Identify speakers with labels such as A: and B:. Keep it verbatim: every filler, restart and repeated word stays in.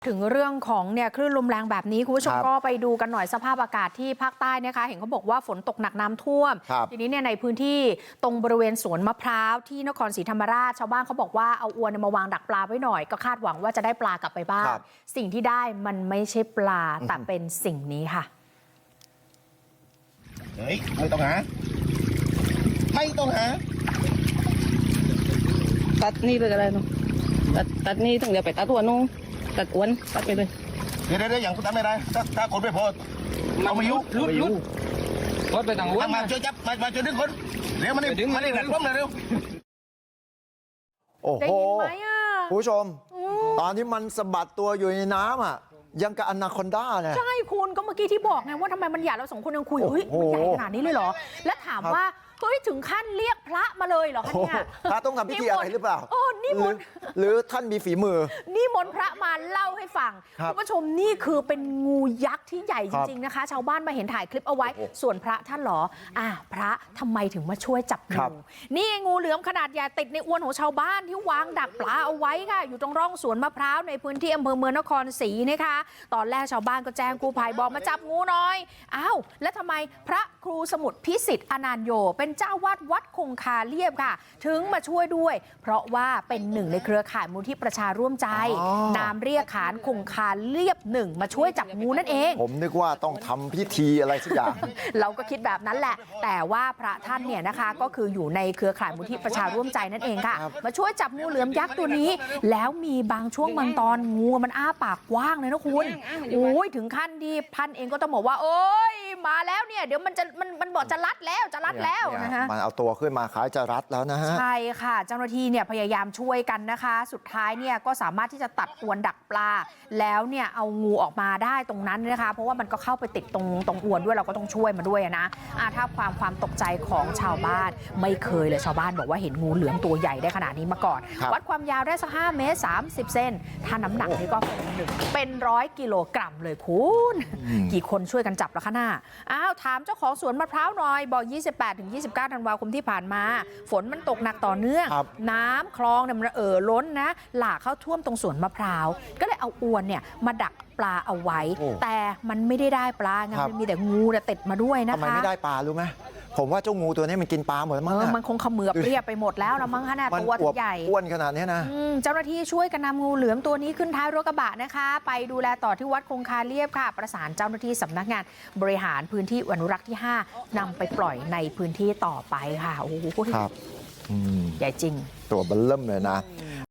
A: ถึงเรื่องของเนี่ยคลื่นลมแรงแบบนี้คุณผู้ชมก็ไปดูกันหน่อยสภาพอากาศที่ภาคใต้นะคะเห็นเขาบอกว่าฝนตกหนักน้ำท่วมทีนี้เนี่ยในพื้นที่ตรงบริเวณสวนมะพร้าวที่นครศรีธรรมราชชาวบ้านเขาบอกว่าเอาอวนมาวางดักปลาไว้หน่อยก็คาดหวังว่าจะได้ปลากลับไปบ้างสิ่งที่ได้มันไม่ใช่ปลาแต่เป็นสิ่งนี้ค่ะ
B: เฮ้ยไม่ต้องหาไม่ต้องหา
C: ตัดนี่ไปกันเลยเนาะตัดตัดนี่ถึงเดี๋ยวไปตัดตัวนู้นตัดอ้วนตัดไปเลย
B: เดี๋ยวเดี๋ยวอย่างคุณทำไม่ได้ถ้าถ้าคนไม่พอเอามายุ
C: ลุดลุดรถไปทางอ้วน
B: มาช่วยจับมามาช่วยดึงคนเร็วมานี่มานี่หนักล้มเลยเร็ว
D: โอ้โหผู้ชมตอนที่มันสะบัดตัวอยู่ในน้ำอ่ะยังกับอนาคอนด้าเนี่ย
A: ใช่คุณก็เมื่อกี้ที่บอกไงว่าทำไมมันใหญ่เราสองคนยังคุยเฮ้ยมันใหญ่ขนาดนี้เลยเหรอและถามว่าเฮ้ยถึงขั้นเรียกพระมาเลยเหรอคะเนี่ย
D: พระต้องทำพิธีอะไรหรือเปล่า
A: โอ้นี่มน
D: หรือท่านมีฝีมือ
A: นี่มนพระมาเล่าให้ฟังคุณผู้ชมนี่คือเป็นงูยักษ์ที่ใหญ่จริงๆนะคะชาวบ้านมาเห็นถ่ายคลิปเอาไว้ส่วนพระท่านหรออ่ะพระทำไมถึงมาช่วยจับงูนี่งูเหลือมขนาดใหญ่ติดในอวนของชาวบ้านที่วางดักปลาเอาไว้ค่ะอยู่ตรงร่องสวนมะพร้าวในพื้นที่อำเภอเมืองนครศรีนะคะตอนแรกชาวบ้านก็แจ้งกู้ภัยบอกมาจับงูหน่อยอ้าวแล้วทำไมพระครูสมุทรพิสิทธิ์อนันโยเป็นเจ้าวาดวัดคงคาเลียบค่ะถึงมาช่วยด้วยเพราะว่าเป็นหนึ่งในเครือข่ายมูลที่ประชาร่วมใจนามเรียกขานคงคาเลียบหนึ่งมาช่วยจับงูนั่นเอง
D: ผมนึกว่าต้องทำพิธีอะไรสักอย่าง
A: เราก็คิดแบบนั้นแหละแต่ว่าพระท่านเนี่ยนะคะก็คืออยู่ในเครือข่ายมูลที่ประชาร่วมใจนั่นเองค่ะมาช่วยจับงูเหลือมยักษ์ตัวนี้แล้วมีบางช่วงบางตอนงูมันอ้าปากกว้างเลยนะคุณโอ้ยถึงขั้นที่พันเองก็ต้องบอกว่าโอ้ยมาแล้วเนี่ยเดี๋ยวมันจะมันมันบอกจะรัดแล้วจะรัดแล้วนะฮะ
D: มันเอาตัวขึ้นมาคล้ายจะรัดแล้วนะฮะ
A: ใช่ค่ะเจ้าหน้าที่เนี่ยพยายามช่วยกันนะคะสุดท้ายเนี่ยก็สามารถที่จะตัดอวนดักปลาแล้วเนี่ยเอางูออกมาได้ตรงนั้นนะคะเพราะว่ามันก็เข้าไปติดตรงตรงอวนด้วยเราก็ต้องช่วยมาด้วยนะอ่าถ้าความความตกใจของชาวบ้านไม่เคยเลยชาวบ้านบอกว่าเห็นงูเหลือมตัวใหญ่ได้ขนาดนี้มาก่อนวัดความยาวได้สักห้าเมตรสามสิบเซนถ้าน้ำหนักนี่ก็เป็นหนึ่งเป็นร้อยกิโลกรัมเลยคุณกี่คนช่วยกันจับละคะหน้าอ้าวถามเจ้าของสวนมะพร้าวหน่อยบอกยี่สิบแปดถึงยี่สิบเก้าธันวาคมที่ผ่านมาฝนมันตกหนักต่อเนื่องน้ำคลองเนี่ยมันเอ่อล้นนะหลากเข้าท่วมตรงสวนมะพร้าวก็เลยเอาอวนเนี่ยมาดักปลาเอาไว้แต่มันไม่ได้ได้ปลาไงมันมีแต่งูเนี่ยติดมาด้วยนะคะ
D: ทำไมไม่ได้ปลารู้ไหมผมว่าเจ้างูตัวนี้มันกินปลาหมดมั้ง
A: มันคงเขมือบเรียบไปหมดแล้วละมั้งขนาดตัวใหญ่
D: อ้วนขนาดนี้นะ
A: เจ้าหน้าที่ช่วยกันนำงูเหลือมตัวนี้ขึ้นท้ายรถกระบะนะคะไปดูแลต่อที่วัดคงคาเลียบค่ะประสานเจ้าหน้าที่สำนักงานบริหารพื้นที่อนุรักษ์ที่ห้านำไปปล่อยในพื้นที่ต่อไปค่ะโอ้โห
D: ครับ
A: ใหญ่จริง
D: ตัวเบิ่มเลยนะ